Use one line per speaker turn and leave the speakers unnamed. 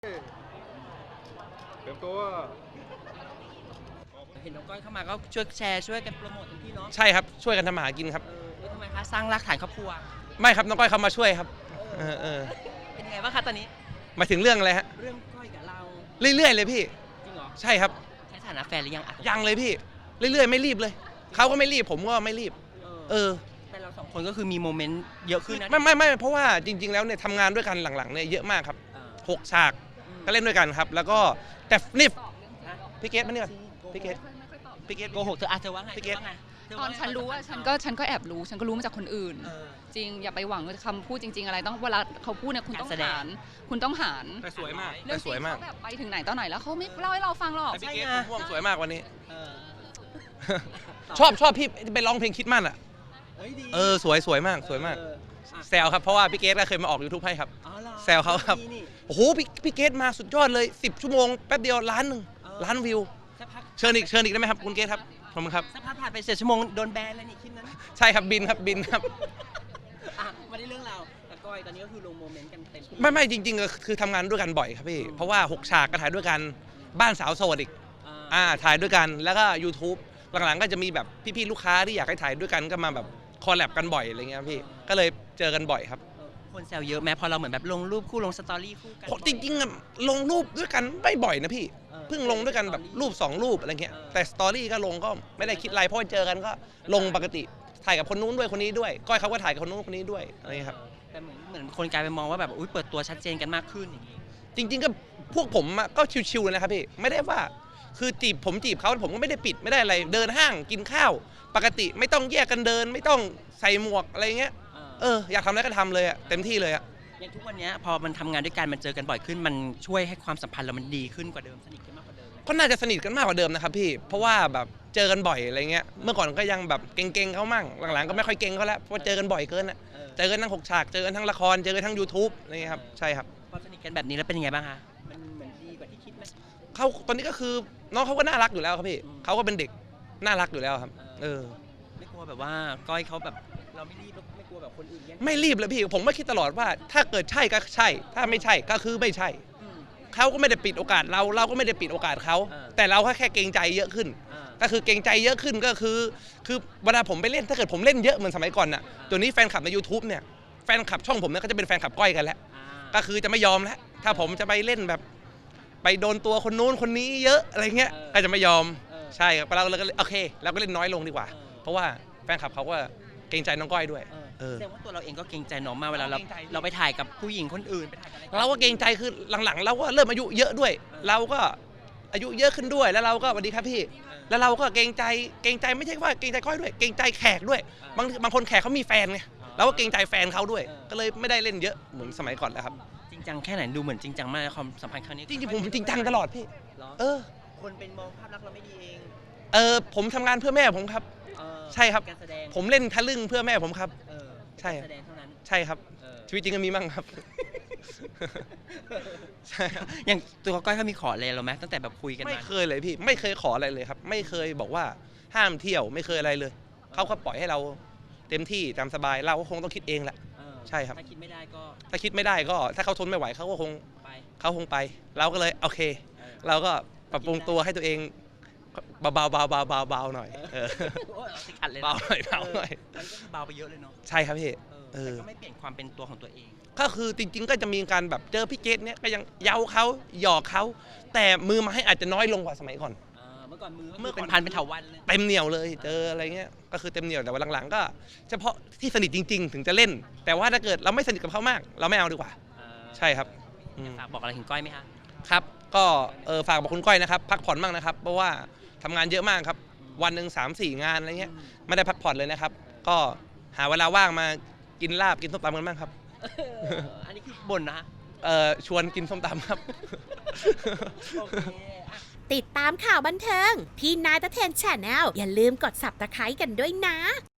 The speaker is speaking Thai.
เตรียมตัว
เห็นน้องก้อยเข้ามาก็ช่วยแชร์ช่วยกันโปรโมททุกที่เนาะ
ใช่ครับช่วยกันทำมาหากินครับ
ทำไมคะสร้างรากฐานครอบครัว
ไม่ครับน้องก้อยเขามาช่วยครับ
เป็นไงบ้างคะตอนนี้
หมายถึงเรื่องอะไรฮะ
เรื่องก้อยกับเรา
เรื่อยๆเลยพี่
จริงเหรอ
ใช่ครับ
ใช้ฐานะแฟนหรือยัง
ยังเลยพี่เรื่อยๆไม่รีบเลยเขาก็ไม่รีบผมก็ไม่รีบ
แต่เราสองคนก็คือมีโมเมนต์เยอะขึ้นนะ
ไม่เพราะว่าจริงๆแล้วเนี่ยทำงานด้วยกันหลังๆเนี่ยเยอะมากครับ6 ฉากก็เล่นด้วยกันครับแล้วก็แต่นี่พี่เกดมาเนี่ยพี่เกด
โกหกเธอว่าไง
พี่เกด
ตอนฉันรู้ว่าฉันก็แอบรู้ฉันก็รู้มาจากคนอื่นจริงอย่าไปหวังคำพูดจริงๆอะไรต้องเวลาเขาพูดเนี่ยคุณต้องหาร
แต่สวยมาก
แต่สวยมากแบบไปถึงไหนตอนไหนแล้วเขาไม่เล่าให้เราฟังหรอก
พี่เกดม่วงสวยมากวันนี้ชอบพี่ไปร้องเพลงคิดมั่นอ่ะสวยมากแซวครับเพราะว่าพี่เกดก็เคยมาออก YouTube ให้ครับแซวเขาครับโอ้โหพี่เกดมาสุดยอดเลย10 ชั่วโมงแป๊บเดียว1 ล้านล้านวิวเชิญอีกได้ไหมครับคุณเกดครับขอบคุณครับ
สักพักผ่านไป7 ชั่วโมงโดนแบนแล้วนี่คลิปนั้น
ใช่ครับบินครับ
มาได้เรื่องราวกับก้อยตอนนี้ก็คือลงโมเมนต์กันเต็ม
ไม่จริงๆคือทำงานด้วยกันบ่อยครับพี่เพราะว่า6 ฉากก็ถ่ายด้วยกันบ้านสาวโสดอีกถ่ายด้วยกันแล้วก็ YouTube หลังๆก็จะมีแบบพี่ๆลูกค้าที่อยากให้ถ่ายด้วยกันก็มาแบบคอลแลบกันบ่อยอะไรเงี้ยพี่ก็เลยเจอกันบ่อยครับ
คนแซวเยอะแม้พอเราเหมือนแบบลงรูปคู่ลงสตอรี่คู่กัน
จริงๆลงรูปด้วยกันไม่บ่อยนะพี่เพิ่งลงด้วยกันแบบรูป2 รูปอะไรเงี้ยแต่สตอรี่ก็ลงก็ไม่ได้คิดอะไรเพราะเจอกันก็ลงปกติถ่ายกับคนนู้นด้วยคนนี้ด้วยก้อยเขาก็ถ่ายกับคนนู้นคนนี้ด้วยอะไรครับ
แต่เหมือนคนกลายไปมองว่าแบบเปิดตัวชัดเจนกันมากขึ้นอย่างนี้
จริงๆก็พวกผมก็ชิวๆเลยนะครับพี่ไม่ได้ว่าคือผมจีบเขาผมก็ไม่ได้ปิดไม่ได้อะไรเดินห้างกินข้าวปกติไม่ต้องแยกกันเดินไม่ต้องใส่หมวกอะไรเงี้ยอยากทำอะไรก็ทำเลยเต็มที่เลย
อย่างทุกวันนี้พอมันทำงานด้วยกันมันเจอกันบ่อยขึ้นมันช่วยให้ความสัมพันธ์เรามันดีขึ้นกว่าเดิมสนิทกันมากกว่าเดิม
ก็น่าจะสนิทกันมากกว่าเดิมนะครับพี่เพราะว่าแบบเจอกันบ่อยอะไรเงี้ยเมื่อก่อนก็ยังแบบเก่งๆเขามั่งหลังๆก็ไม่ค่อยเก่งเขาแล้วเพราะเจอกันบ่อยเกินเจอกันทั้ง6 ฉากเจอกันทั้งละครเจอกันทั้ง YouTube นี่ครับใช่ครับ
พอสนิทกันแบบนี้แล้วเป็นยังไงบ้างคะมันเหมือนดีกว่าที่คิดไหม
เขาตอนนี้ก็คือน้องเขาก็น่ารักอยู่แล้วครับพี่เขาก็เป็นเด็กน่ารักอยู่แล้วครับ
ไม่กลัวแบบว่าก้อยเขาแบบเราไม่รีบไม่กลัวแบบคนอื่น
ไม่รีบเลยพี่ผมไม่คิดตลอดว่าถ้าเกิดใช่ก็ใช่ถ้าไม่ใช่ก็คือไม่ใช่เขาก็ไม่ได้ปิดโอกาสเราก็ไม่ได้ปิดโอกาสเขาแต่เราแค่เกรงใจเยอะขึ้นก็คือเกรงใจเยอะขึ้นก็คือเวลาผมไปเล่นถ้าเกิดผมเล่นเยอะเหมือนสมัยก่อนน่ะตัวนี้แฟนคลับใน YouTube เนี่ยแฟนคลับช่องผมเนี่ยก็จะเป็นแฟนคลับก้อยกันแล้วก็คือจะไม่ยอมแล้วถ้าผมจะไปเล่นแบบไปโดนตัวคนนู้นคนนี้เยอะอะไรเงี้ยก็จะไม่ยอมใช่ครับเราก็โอเคเราก็เล่นน้อยลงดีกว่าเพราะว่าแฟนคลับเขาก็เกรงใจน้องก้อยด้วย
แสดงว่าตัวเราเองก็เกรงใจน้องมากเวลาเราไปถ่ายกับผู้หญิงคนอื่นไปถ่ายอะไร
เราก็เกรงใจคือหลังๆเราก็เริ่มอายุเยอะด้วยเราก็อายุเยอะขึ้นด้วยแล้วเราก็สวัสดีครับพี่แล้วเราก็เกรงใจไม่ใช่ว่าเกรงใจก้อยด้วยเกรงใจแขกด้วยบางคนแขกเขามีแฟนไงเราก็เกรงใจแฟนเขาด้วยก็เลยไม่ได้เล่นเยอะเหมือนสมัยก่อนแล้วครับ
จริงจังแค่ไหนดูเหมือนจริงจังมากความสัมพันธ์ครั้งนี้
จริงๆผมจริงจังตลอดพี่
คนเป็นมองภาพลักษณ์เราไม่ดีเอง
ผมทำงานเพื่อแม่ผมครับใช่ครับผมเล่นทะลึ่งเพื่อแม่ผมครับใช่
แสดงเท่านั้น
ใช่ครับชีวิตจริงก็มีมั่งครับใช่
อย่างตัวก้อยเขามีขออะไรเราไหมตั้งแต่แบบคุยกัน
ไม่เคยเลยพี่ไม่เคยขออะไรเลยครับไม่เคยบอกว่าห้ามเที่ยวไม่เคยอะไรเลยเขาก็ปล่อยให้เราเต็มที่ตามสบายเราก็คงต้องคิดเองแหละใช่ครับ
ถ้าคิดไม่ได้ก็
ถ้าเขาทนไม่ไหวเขาคงไปเราก็เลยโอเคเราก็ปรับปรุงตัวให้ตัวเองเบาหน่อยเบาหน่อย
เบาไปเยอะเลยเนาะ
ใช่ครับพี่
แต่ก็ไม่เปลี่ยนความเป็นตัวของตัวเอง
ก็คือจริงๆก็จะมีการแบบเจอพี่เกดเนี่ยก็ยังเย้าเขาหยอกเขาแต่มือไม้อาจจะน้อยลงกว่าสมัยก่อน
เมื่อก่อนเป็นพันเป็นเถาวัลย์เลย
เต็มเหนียวเลยเจออะไรเงี้ยก็คือเต็มเหนียวแต่ว่าหลังๆก็เฉพาะที่สนิทจริงๆถึงจะเล่นแต่ว่าถ้าเกิดเราไม่สนิทกับเขามากเราไม่เอาดีกว่าใช่ครับ
ฝากบอกอะไรถึงก้อยไหมคะ
ครับก็ฝากบอกคุณก้อยนะครับพักผ่อนบ้างนะครับเพราะว่าทำงานเยอะมากครับวันหนึ่ง3-4 งานอะไรเงี้ยไม่ได้พักผ่อนเลยนะครับก็หาเวลาว่างมากินลาบกินส้มตำกันบ้างครับ
อันนี้คือบ่นนะ
ชวนกินส้มตำครับ
ติดตามข่าวบันเทิงที่นายตะเทน Channel อย่าลืมกด Subscribe กันด้วยนะ